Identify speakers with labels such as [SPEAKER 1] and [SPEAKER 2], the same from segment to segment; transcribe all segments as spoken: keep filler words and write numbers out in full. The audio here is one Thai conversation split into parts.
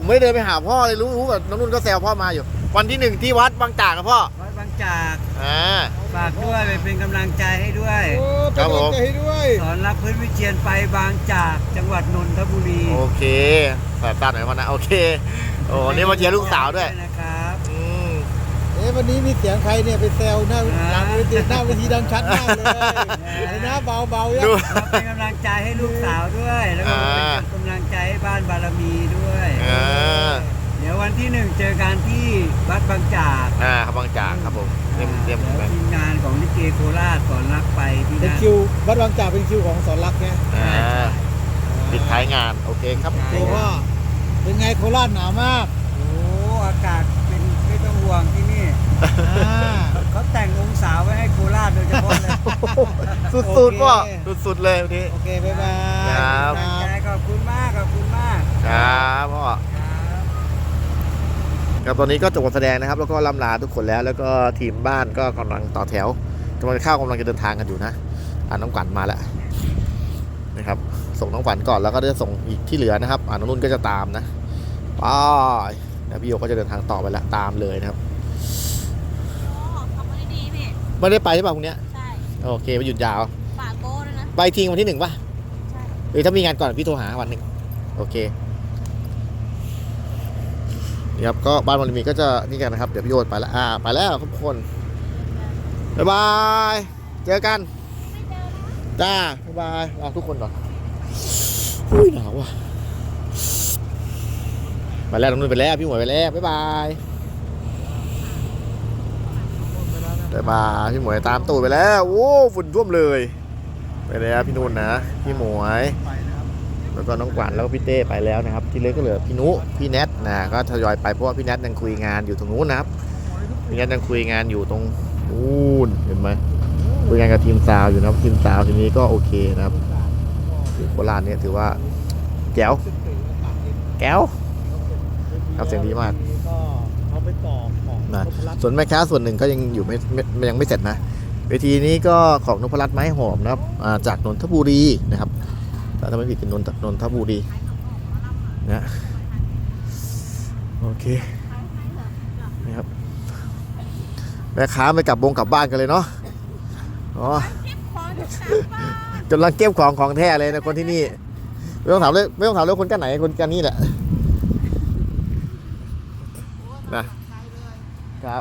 [SPEAKER 1] ไม่ได้เดินไปหาพ่อเลยรู้รู้แบบน้องนุ่นก็แซวพ่อมาอยู่วันที่หนึ่งที่วัดบางจากนะพ่อ
[SPEAKER 2] วัดบางจาก
[SPEAKER 1] อ่า
[SPEAKER 2] ฝากด้วยไปเป็นกำลังใจให้ด้วย
[SPEAKER 1] ครับผม
[SPEAKER 2] สอนรักพื้นวิเชียรไปบางจากจังหวัดนนทบุรี
[SPEAKER 1] โอเคแบบตัดหน่อยมานะโอเคโอ้นี่มาเชียร์ลูกสาวด้วย
[SPEAKER 2] นะครับ
[SPEAKER 1] อืม
[SPEAKER 3] เอ๊ะวันนี้มีเสียงใครเนี่ยไปแซวหน้าหลังเวทีหน้าเวทีดังชัดมากเลยอะไรนะเบาเบายัง
[SPEAKER 2] เป็นกำลังใจให้ลูกสาวด้วยแล้วก็เป็นกำลังใจให้บ้านบารมีด้วยเดี๋ยววันที่หนึ่งเจอกันที่วัดบางจาก
[SPEAKER 1] อ่าครับบางจากครับผมเตรียมเตรียม
[SPEAKER 2] ทีมงานของลิเกโคราชสอนรักไปที่
[SPEAKER 3] เป็นคิววัดบางจากเป็นคิวของสอนรักไง
[SPEAKER 1] อ่าปิดท้ายงานโอเคครับ
[SPEAKER 3] โอ้ว่าเป็นไงโคราชหนาวมาก
[SPEAKER 2] โอ้อากาศเป็นไม่ต้องห่วงที่นี่เขาแต่งองศาไว้ให้โคราชโดยเฉพาะเลย
[SPEAKER 1] สุดๆพ่อสุดๆเลยวันนี้
[SPEAKER 3] โอเคบ๊ายบาย
[SPEAKER 1] ครับ
[SPEAKER 2] ขอบคุณมากขอบคุณมาก
[SPEAKER 1] ครับพ่อครับตอนนี้ก็จบการแสดงนะครับแล้วก็ล่ำลาทุกคนแล้วแล้วก็ทีมบ้านก็กำลังต่อแถวกำลังเข้ากำลังจะเดินทางกันอยู่นะอ่าน้องขวัญมาแล้วนะครับส่งน้องขวัญก่อนแล้วก็จะส่งอีกที่เหลือนะครับอ่าน้องนุ่นก็จะตามนะไปนะพี่โยก็จะเดินทางต่อไปแล้วตามเลยนะครับไม่ได้ไปใช่ป่ะพรุ่งนี้ใช่โอเคไปหยุดยาว
[SPEAKER 4] ฝากโบ้ด้วยนะ
[SPEAKER 1] ไปทิ้งวันที่หนึ่งป่ะใช่หรือถ้ามีงานก่อนพี่โทรหาวันหนึ่งโอเคนี่ครับก็บ้านวันมีก็จะนี่กันนะครับเดี๋ยวพี่โยไปแล้วอ่าไปแล้วทุกคนบ๊ายบายเจอกันจ้าบ๊ายบายลาทุกคนก่อนอุ้ยหนาวว่ะไปแล้วน้องนุ่นไปแล้วพี่หมวยไปแล้วบ๊ายบายบ๊ายบายพี่หมวยตามตูดไปแล้วโอ้ฝุ่นท่วมเลยไปแล้วพี่นุ่นนะพี่หมวยแล้วก็น้องขวัญแล้วก็พี่เต้ไปแล้วนะครับที่เหลือก็เหลือพี่นุพี่แนทนะก็ทยอยไปเพราะว่าพี่แนทยังคุยงานอยู่ตรงนู้นนะครับพี่แนทยังคุยงานอยู่ตรงนู้นเห็นไหมคุยงานกับทีมซาวอยู่นะครับทีมซาวทีนี้ก็โอเคนะครับโคราชเนี่ยถือว่าแก้วแก้วครับเสียงดีมากนะส่วนแม่ค้าส่วนหนึ่งก็ยังอยู่ไม่ยังไม่เสร็จนะเวทีนี้ก็ของนพรัตน์ไม้หอมนะครับจากนนทบุรีนะครับถ้าไม่ผิดเป็นนนนนทบุรีนะโอเคนะครับแม่ค้าไม่กลับวงกลับบ้านกันเลยเนาะอ๋อกำลังเก็บของของแท้เลยนะคนที่นี่ไม่ต้องถามเลยไม่ต้องถามเลยคนกันไหนคนกันนี่แหละนะครับ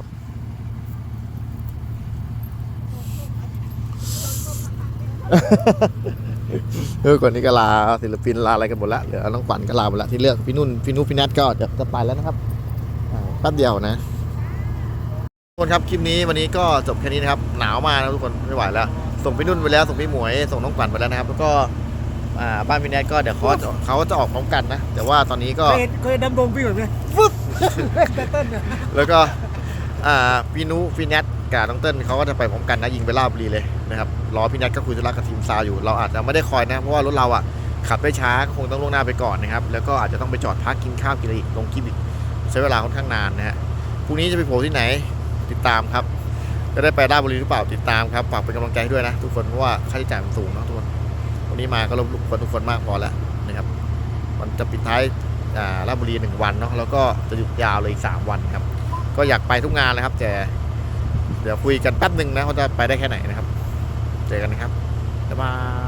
[SPEAKER 1] เออก่อนนี้ก็ลาศิลปินลาอะไรกันหมดแล้วเหลือน้องขวัญก็ลาหมดแล้วที่เลือกพี่นุ่นพี่นุพี่นัทก็จะจะไปแล้วนะครับแป๊บเดียวนะทุกคนครับคลิปนี้วันนี้ก็จบแค่นี้นะครับหนาวมากนะทุกคนไม่ไหวแล้วส่งพี่นุ่นไปแล้วส่งพี่หมวยส่งน้องขวัญไปแล้วนะครับแล้วก็บ้านพี่นัทก็เดี๋ยวเขาเขาจะออกพร้อมกันนะแต่ว่าตอนนี้ก็
[SPEAKER 3] เคยดำดงพี่แบบนี้ฟึ๊บต้น
[SPEAKER 1] แล้วก็พี่นุพี่แนทกับน้องเติ้ลเขาก็จะไปพร้อมกันนะยิงไปลาดบุรีเลยนะครับรอพี่แนทก็คุยธุระกับทีมซาวอยู่เราอาจจะไม่ได้คอยนะเพราะว่ารถเราอ่ะขับได้ช้าก็คงต้องล่วงหน้าไปก่อนนะครับแล้วก็อาจจะต้องไปจอดพักกินข้าวกินอะไรอีกลงคลิปอีกใช้เวลาค่อนข้างนานนะฮะพรุ่งนี้จะไปโผล่ที่ไหนติดตามครับจะได้ไปลาดบุรีหรือเปล่าติดตามครับฝากเป็นกำลังใจให้ด้วยนะทุกคนเพราะว่าค่าใช้จ่ายมันสูงนะทุกคนวันนี้มาก็รบกวนทุกคนมากพอแล้วนะครับมันจะปิดท้ายลาดบุรีหนึ่งวันเนาะแล้วก็จะหยุดยาวเลยอีกสามวันครับก็อยากไปทุกงานเลยครับแต่เดี๋ยวคุยกันแป๊บหนึ่งนะเขาจะไปได้แค่ไหนนะครับเจอกันนะครับบ๊ายบาย